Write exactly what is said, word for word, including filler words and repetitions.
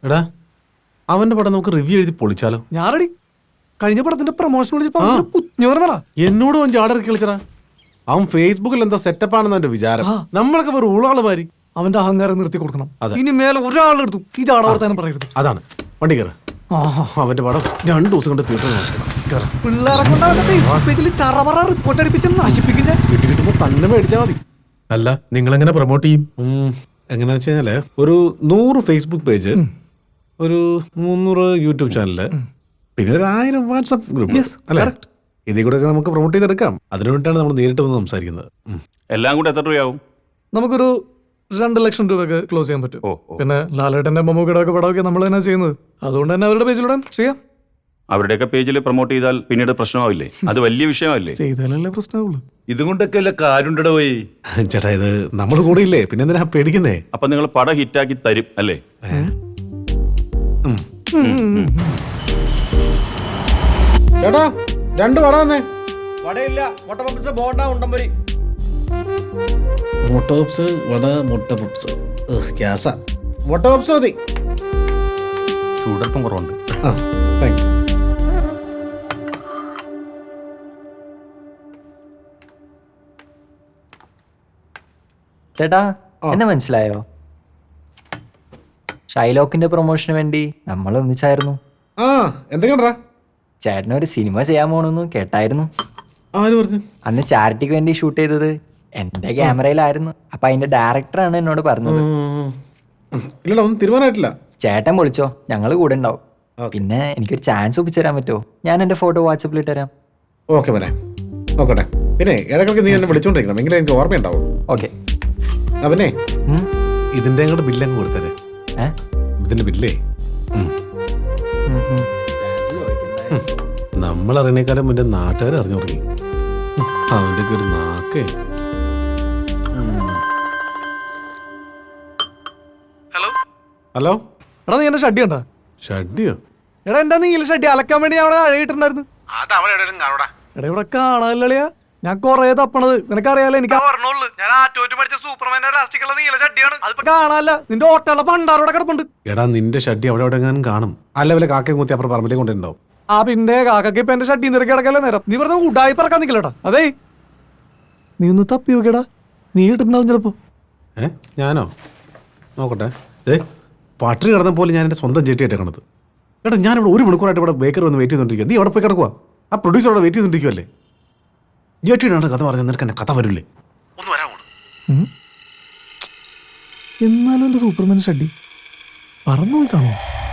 എടാ അവന്റെ പടം നമുക്ക് റിവ്യൂ എഴുതി പൊളിച്ചാലോ? ഞാൻ റെഡി. കഴിഞ്ഞ പടത്തിന്റെ പ്രൊമോഷൻ വിളിച്ചപ്പോ എന്നോട് അവൻ ചാടറി കളിച്ചടാ. അവൻ ഫേസ്ബുക്കിൽ എന്തോ സെറ്റപ്പ് ആണെന്ന് അവന്റെ വിചാരം. നമ്മളൊക്കെ വെറും ഊളാള് മാറി. അവന്റെ അഹങ്കാരം നിർത്തി കൊടുക്കണം. ഇനി മേലെ ഒരാളെടുത്തു ഈ ചാടവർത്താനം പറയരുത്. അതാണ് വണ്ടി കയറ. അവന്റെ പടം രണ്ടു ദിവസം കൊണ്ട് തീർത്ത് പിള്ളേരെ കൊണ്ട് അവന്റെ ഫേസ്ബുക്ക് പേജിൽ ചറവറ റിപ്പോർട്ട് അടിപ്പിച്ച് നശിപ്പിക്കുന്ന കിട്ടി കിട്ടുമ്പോ തന്നെ മേടിച്ചാൽ മതി. അല്ല നിങ്ങൾ എങ്ങനെ പ്രൊമോട്ട് ചെയ്യും? എങ്ങനെയാ വെച്ച് കഴിഞ്ഞാല് ഒരു നൂറ് ഫേസ്ബുക്ക് പേജ്, ഒരു മുന്നൂറ് യൂട്യൂബ് ചാനല്, പിന്നെ ഒരു ആയിരം വാട്സ്ആപ്പ് ഗ്രൂപ്പ് അല്ലേ? ഇതിൽ കൂടെ ഒക്കെ നമുക്ക് പ്രൊമോട്ട് ചെയ്തെടുക്കാം. അതിനു വേണ്ടിയിട്ടാണ് നമ്മൾ നേരിട്ട് വന്ന് സംസാരിക്കുന്നത്. എല്ലാം കൂടെ എത്ര രൂപയാവും? നമുക്കൊരു രണ്ട് ലക്ഷം രൂപയൊക്കെ ക്ലോസ് ചെയ്യാൻ പറ്റും. പിന്നെ ലാലേട്ടന്റെ മമ്മൂക്കയുടെ ഒക്കെ പടമൊക്കെ നമ്മൾ തന്നെ ചെയ്യുന്നത്. അതുകൊണ്ട് തന്നെ അവരുടെ പേജിലൂടെ ചെയ്യാം. അവരുടെയൊക്കെ പേജിൽ പ്രൊമോട്ട് ചെയ്താൽ പിന്നീട് പ്രശ്നമാവില്ലേ? അത് വലിയ വിഷയമല്ലേ? ചെയ്താലല്ലേ പ്രശ്നമുള്ളൂ. ഇതുകൊണ്ടൊക്കെ അല്ല കാര്യണ്ടോ പോയി. ചേട്ടാ ഇത് നമ്മൾ കൂടെ ഇല്ലേ, പിന്നെ എന്തിനാ പേടിക്കുന്നേ? അപ്പൊ നിങ്ങൾ പടം ഹിറ്റാക്കി തരും അല്ലേ? ചേട്ടാ രണ്ട് വട വന്നേ. വടയില്ല, മുട്ട പപ്സ്, ബോണ്ട, ഉണ്ടംപൊരി. മുട്ട പപ്സ്, വട, മുട്ട പപ്സ്, ഗ്യാസാ. മുട്ട പപ്സ് മതി. ചൂടൽപ്പം കുറവുണ്ട്. ആ താങ്ക്സ്. ചേട്ടാ എന്നെ മനസ്സിലായോ? ഷൈലോക്കിന്റെ പ്രൊമോഷന് വേണ്ടി നമ്മൾ ഒന്നിച്ചായിരുന്നു. ആ എന്തൊക്കെയാ ചേട്ടനൊരു സിനിമ ചെയ്യാൻ പോണെന്ന് കേട്ടായിരുന്നു. ആര് പറഞ്ഞു? അന്ന് ചാരിറ്റിക്ക് വേണ്ടി ഷൂട്ട് ചെയ്തത് എന്റെ ക്യാമറയിലായിരുന്നു. അപ്പൊ അതിന്റെ ഡയറക്ടറാണ് എന്നോട് പറഞ്ഞത്. ഇല്ലടാ ഒന്നും തീരുമാനമായിട്ടില്ല. ചേട്ടൻ വിളിച്ചോ, ഞങ്ങള് കൂടെ ഉണ്ടാവും. പിന്നെ എനിക്കൊരു ചാൻസ് ഒപ്പിച്ചു തരാൻ പറ്റുമോ? ഞാൻ എന്റെ ഫോട്ടോ വാട്സപ്പിൽ ഇട്ടുതരാം. ഓക്കെ മോനെ, നോക്കട്ടെ. പിന്നെ ഇടയ്ക്കൊക്കെ നീ എന്നെ വിളിച്ചോണ്ടിരിക്കണം, എങ്കിലും എനിക്ക് ഓർമ്മയുണ്ടാവുള്ളൂ. ഓക്കെ. അവനെ ഇതിന്റെ അങ്ങോട്ട് ബില്ലങ്ങ് കൊടുത്തരെ. ഇതിന്റെ ബില്ലേ നമ്മൾ അറിയണേക്കാളും മുന്നേ നാട്ടുകാർ അറിഞ്ഞു തുടങ്ങി. അവന്റെ ഒരു നാക്കേ. ഹലോ ഹലോ എടാ, നീ എന്റെ ഷഡ്ഡി കണ്ടാ? ഷഡ്ഡിയോ? എടാ എന്റെ നീല ഷഡ്ഡി അലക്കാൻ വേണ്ടി അവിടെ അഴയിട്ടുണ്ടായിരുന്നു. എടാ ഇവിടെ കാണാനില്ലളിയാ. ഞാൻ കൊറേ തപ്പണത്, നിനക്കറിയാലോ. എനിക്ക് ഞാൻ ആറ്റോറ്റ് പഠിച്ച സൂപ്പർമാന്റെ ലാസ്റ്റിക്കുള്ള നീല ഷഡ്ഡിയാണ്. അതിപ്പോ കാണാനല്ല. നിന്റെ ഓട്ടമുള്ള പണ്ടാറോടെ കിടപ്പുണ്ട്. എടാ നിന്റെ ഷഡ്ഡി അവിടെ എവിടെ എങ്ങാനും കാണും. അല്ല വല്ല കാക്കയും കുത്തി അപ്പുറം പറമ്പിലേക്ക് കൊണ്ടുണ്ടാവും. ആ പിന്നെ കാക്കയ്ക്ക് ഇപ്പൊ എന്റെ ഷഡ്ഡി നിരക്കി കിടക്കല്ലേ നേരം. നീ വെറുതെ ഉടായി പറക്കാൻ നിക്കലട്ടാ. അതേ നീ ഒന്ന് തപ്പി നോക്കിയടാ, നീ ഇട്ടിട്ടുണ്ടാവും ചിലപ്പോ. ഏ ഞാനോ? നോക്കട്ടെ. ഏ പട്ടിണി കിടന്ന പോലെ ഞാൻ എൻ്റെ സ്വന്തം ചേട്ടിയായിട്ട് കിടന്നത്. എടാ ഞാനിവിടെ ഒരു മണിക്കൂറായിട്ട് ഇവിടെ ബേക്കറി വന്ന് വെയിറ്റ് ചെയ്തോണ്ടിരിക്കുക. നീ അവിടെ പോയി കിടക്കുക. ആ പ്രൊഡ്യൂസർ അവിടെ വെയിറ്റ് ചെയ്തോണ്ടിരിക്കുവല്ലേ. ജേട്ടിയുടെ കഥ പറഞ്ഞാൽ നിനക്ക് എന്നെ കഥ വരില്ലേ? ഒന്ന് വരാമോ? എന്നാലും എന്റെ സൂപ്പർമാൻ ഷഡ്ഡി പറന്നു പോയി കാണുമോ?